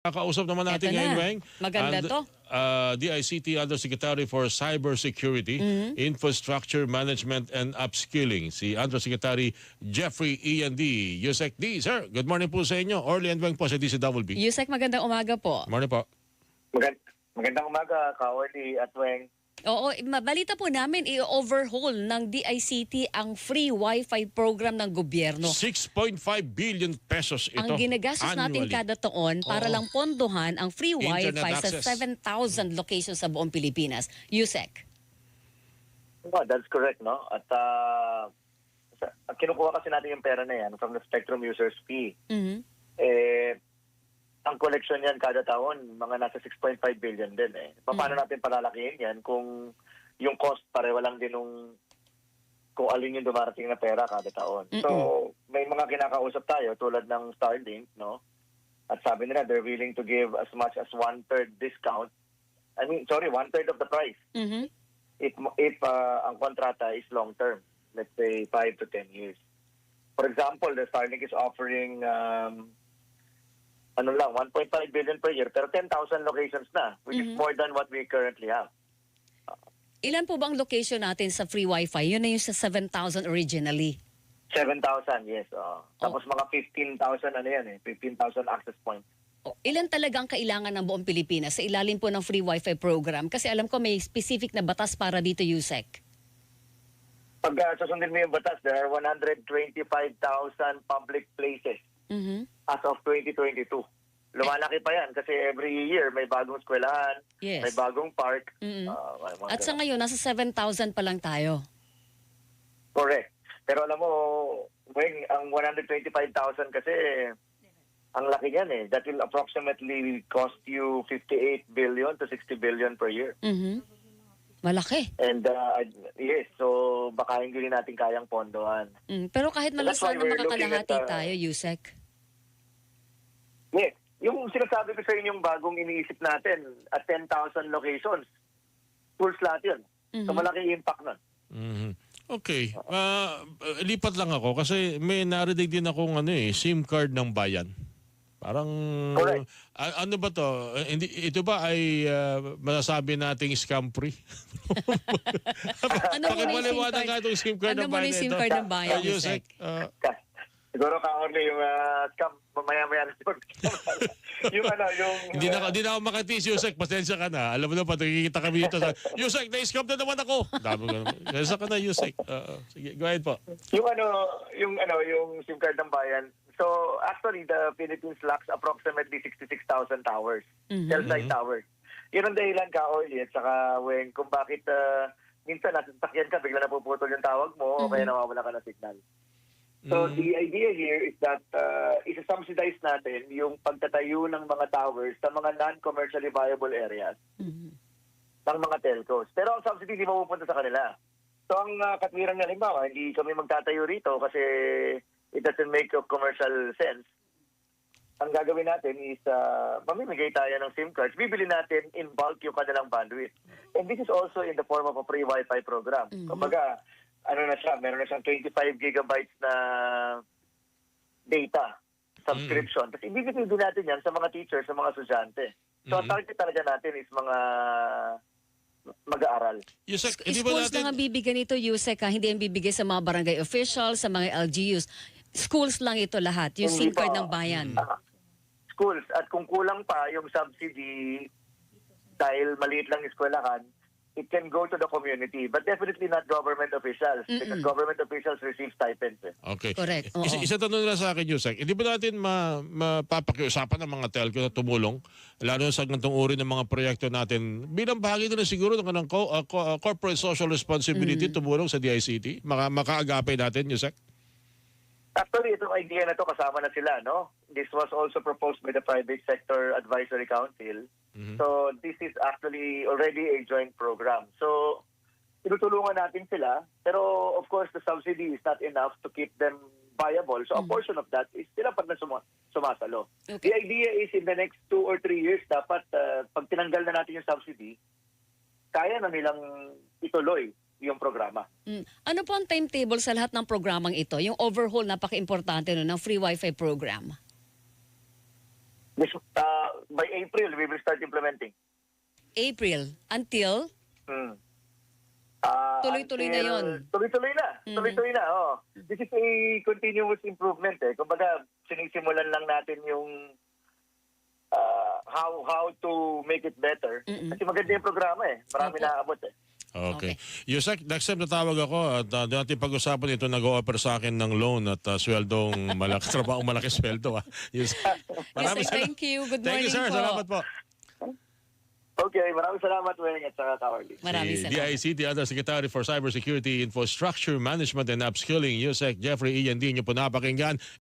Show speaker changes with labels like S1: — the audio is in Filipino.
S1: Kakausap naman natin
S2: Eto
S1: ngayon,
S2: na.
S1: Weng.
S2: Maganda to.
S1: DICT Undersecretary for Cybersecurity, Infrastructure Management and Upskilling, si Undersecretary Jeffrey Ian D. Yusek D. Sir, good morning po sa inyo. Orly and Weng po sa DCWB.
S2: Yusek, magandang umaga po.
S1: Morning po.
S3: Magandang umaga, Ka-Orly at Weng.
S2: Oo, balita po namin, i-overhaul ng DICT ang free Wi-Fi program ng gobyerno.
S1: 6.5 billion pesos ito.
S2: Ang ginagastos natin
S1: annually.
S2: kada taon para lang pondohan ang free
S1: Internet
S2: Wi-Fi sa
S1: access.
S2: 7,000 locations sa buong Pilipinas. Yusek.
S3: That's correct, no? At kinukuha kasi natin yung pera na yan from the Spectrum Users Fee.
S2: Mhm.
S3: Ang collection yan kada taon, mga nasa 6.5 billion din eh. Paano natin palalakihin yan kung yung cost pareho lang din kung alin yung dumarating na pera kada taon. So, may mga kinakausap tayo tulad ng Starlink, no? At sabi nila, they're willing to give as much as 1/3 discount. 1/3 of the price.
S2: Mhm.
S3: If ang kontrata is long term, let's say 5 to 10 years. For example, the Starlink is offering 1.5 billion per year, pero 10,000 locations na, which is more than what we currently have.
S2: Ilan po bang location natin sa free Wi-Fi? Yun na yung sa 7,000 originally.
S3: 7,000, yes. Tapos mga 15,000 15,000 access points.
S2: Ilan talaga ang kailangan ng buong Pilipinas sa ilalim po ng free Wi-Fi program? Kasi alam ko may specific na batas para dito, Yusek.
S3: Pag susundin mo yung batas, there are 125,000 public places
S2: Mhm.
S3: as of 2022. Lumalaki pa yan kasi every year may bagong eskwelahan,
S2: Yes.
S3: may bagong park.
S2: Mm.
S3: Mga
S2: At sa
S3: ganun.
S2: ngayon, nasa 7,000 pa lang tayo.
S3: Correct. Pero alam mo, Weng, ang 125,000 kasi, ang laki niyan eh. That will approximately cost you 58 billion to 60 billion per year.
S2: Mhm. Malaki.
S3: And yes, so baka hindi rin natin kayang pondohan.
S2: Pero kahit
S3: That's why
S2: malasan na
S3: we're looking
S2: makakalahati
S3: at,
S2: tayo, Yusek.
S3: Yes, yung sinasabi ko sa inyo yung bagong iniisip natin at 10,000 locations, schools lahat yun. So malaki yung impact nun.
S1: Mhm. Okay. Lipat lang ako kasi may narinig din akong SIM card ng bayan. Parang
S3: Correct.
S1: ano ba to? Ito ba ay masasabi nating scam free?
S2: Ano muna yung SIM
S1: Pakipaliwanag
S2: card?
S1: nga itong SIM card
S2: Ano
S1: ng
S2: muna
S1: bayan
S2: yung SIM
S1: ito.
S2: card ng bayan,
S1: Yusek,
S2: Yusek?
S3: Siguro ka-only yung scam, mamaya-maya na yun. yung...
S1: Hindi na ako makatis, Yusek. Pasensya ka na. Alam mo na pa, nakikita kami dito sa... Yusek, na-scam na naman ako. Dami ko naman. Pasensya ka na, Yusek. Sige, go ahead po.
S3: Yung SIM card ng bayan. So, actually, the Philippines lacks approximately 66,000 towers, cell site towers. Yun ang dahilan ka, Orly, at saka kung bakit minsan nasa sasakyan ka, bigla napuputol yung tawag mo, o kaya nawawala ka ng signal. So, the idea here is that isa-subsidize natin yung pagtatayo ng mga towers sa mga non-commercially viable areas ng mga telcos. Pero ang subsidy hindi mapupunta sa kanila. So, ang katwiran nga, halimbawa, hindi kami magtatayo rito kasi it doesn't make a commercial sense. Ang gagawin natin is mamimigay tayo ng SIM cards. Bibili natin in bulk yung kanilang bandwidth. And this is also in the form of a free Wi-Fi program. Kumbaga, meron na siyang 25 gigabytes na data subscription. Tapos ibibigay din natin yan sa mga teachers, sa mga estudyante. So, ang target talaga natin is mga mag-aaral.
S1: Yusek, hindi ba
S2: Schools
S1: natin...
S2: na nga bibigyan ito, Yusek, hindi yan bibigay sa mga barangay officials, sa mga LGUs. Schools lang ito lahat, yung SIM
S3: Hindi
S2: card
S3: pa.
S2: ng bayan.
S3: Schools. At kung kulang pa yung subsidy dahil maliit lang yung eskwelahan, it can go to the community. But definitely not government officials because government officials receive stipends.
S1: Okay.
S2: Correct. Oo.
S1: Isa tanong nila sa akin, Yusek. Hindi ba natin mapapakiusapan ng mga telco na tumulong, lalo sa ganitong uri ng mga proyekto natin, bilang bahagi na siguro ng corporate social responsibility, tumulong sa DICT? Makaagapay natin, Yusek?
S3: Actually, itong idea na to kasama na sila, no? This was also proposed by the Private Sector Advisory Council. So, this is actually already a joint program. So, tinutulungan natin sila. Pero, of course, the subsidy is not enough to keep them viable. So, a portion of that is sila pa na sumasalo.
S2: Okay.
S3: The idea is in the next 2 or 3 years, dapat pag tinanggal na natin yung subsidy, kaya na nilang ituloy yung programa.
S2: Ano po ang timetable sa lahat ng programang ito? Yung overhaul, napaka-importante ng free Wi-Fi program.
S3: By implementing.
S2: April until tuloy-tuloy na
S3: Until-
S2: yon.
S3: Tuloy-tuloy na. Tuloy-tuloy na, oh. This is a continuous improvement eh. Kumbaga, sinisimulan lang natin yung how to make it better. Kasi maganda yung programa eh. Marami
S2: Opo.
S3: naaabot eh.
S1: Okay. Yusek, next time natawag ako at doon natin pag-usapan ito, nag-o-offer sa akin ng loan at sweldong malaki, trabaho malaki sweldo. Yusek,
S2: Yusek, thank you. Good
S1: Thank you,
S2: morning
S1: sir.
S2: po.
S1: Salamat po.
S3: Okay, maraming salamat, Weng, at saka Kaorly.
S2: Maraming
S1: Si
S2: salamat.
S1: DICT Undersecretary for Cybersecurity, Infrastructure Management and Upskilling, Yusek Jeffrey Ian, din niyo po napakinggan.